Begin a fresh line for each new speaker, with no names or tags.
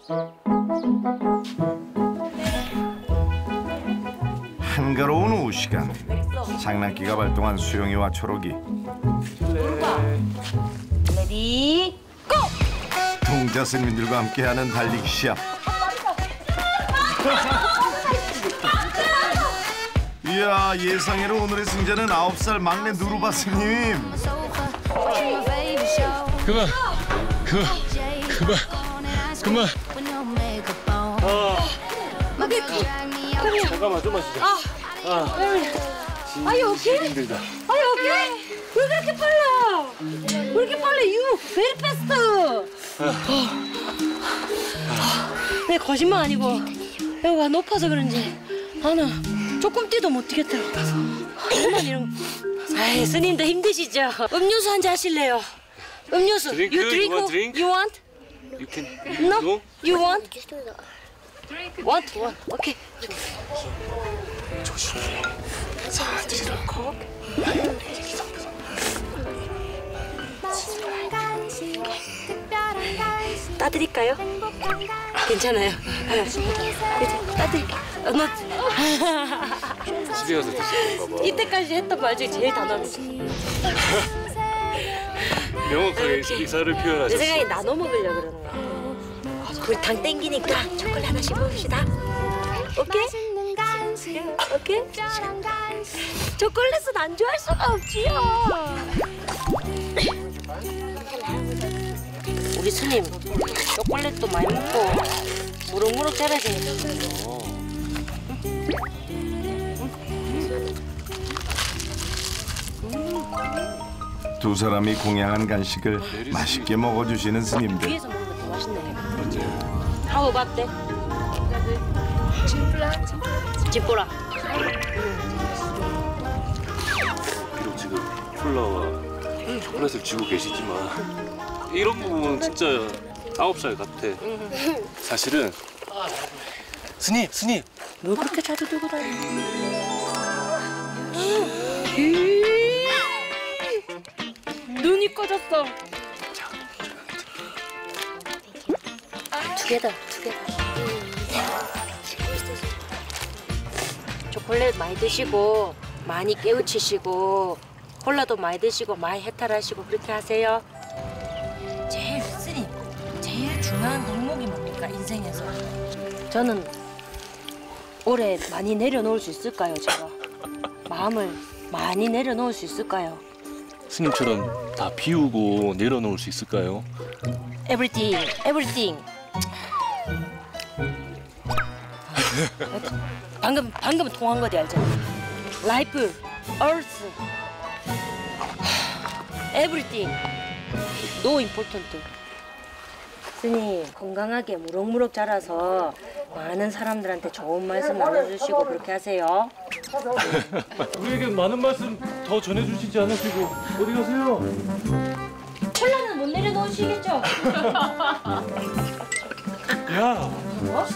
한가로운 오후 시간. 장난기가 발동한 수영이와 초록이.
레디 고!
동자 스님들과 함께하는 달리기 시합. 이야, 예상외로 오늘의 승자는 9살 막내 누르바 스님.
그만. 잠깐만, 좀만 쉬자.
오케이?
힘들다.
오케이? 왜 그렇게 빨라? 왜 이렇게 빨라? You very fast. 내 거짓말 아니고 여기가 높아서 그런지 나는 조금 뛰도 못 뛰겠더라고. 정말 이런. 아이, 스님도 힘드시죠? 음료수 한 잔 하실래요? 음료수.
드링크?
You drink?
You want drink?
You want?
You can.
No?
No?
You want? Want? 오케이.
조심해. 사람들이랑.
따드릴까요? 괜찮아요. 따드릴게요.
집에 가서 드시는 거 봐.
이때까지 했던 말 중에 제일 단호합니다.
명확하게 의사를
내
표현하셨어.
생각에 나눠 먹으려고 그러는 거야. 우리 당 땡기니까 초콜릿 하나씩 먹읍시다. 오케이? 오케이? 초콜릿은 안 좋아할 수가 없지요. 우리 스님 초콜릿도 많이 먹고 무럭무럭 자라시니까.
두 사람이 공양한 간식을 맛있게 먹어주시는 스님들.
위에서 먹으면 더 맛있네.
맞아요.
How about that? 찌뿌라.
비록 지금 콜라와 초콜릿을 쥐고 계시지만 이런 부분은 진짜 9살 같아. 사실은 스님
뭘 그렇게 자주 들고 다녀? 눈이 꺼졌어. 두 개다. 초콜릿 많이 드시고 많이 깨우치시고 콜라도 많이 드시고 많이 해탈하시고 그렇게 하세요. 제일 중요한 덕목이 뭡니까, 인생에서? 저는 올해 많이 내려놓을 수 있을까요, 제가? 마음을 많이 내려놓을 수 있을까요?
스님처럼 다 비우고 내려놓을 수 있을까요?
Everything. 방금 통한 거지, 알잖아. Life, Earth, everything. No important. 스님, 건강하게 무럭무럭 자라서 많은 사람들한테 좋은 말씀 나눠주시고 그렇게 하세요.
우리에게 많은 말씀 더 전해주시지 않으시고 어디 가세요?
콜라는 못 내려놓으시겠죠?
야,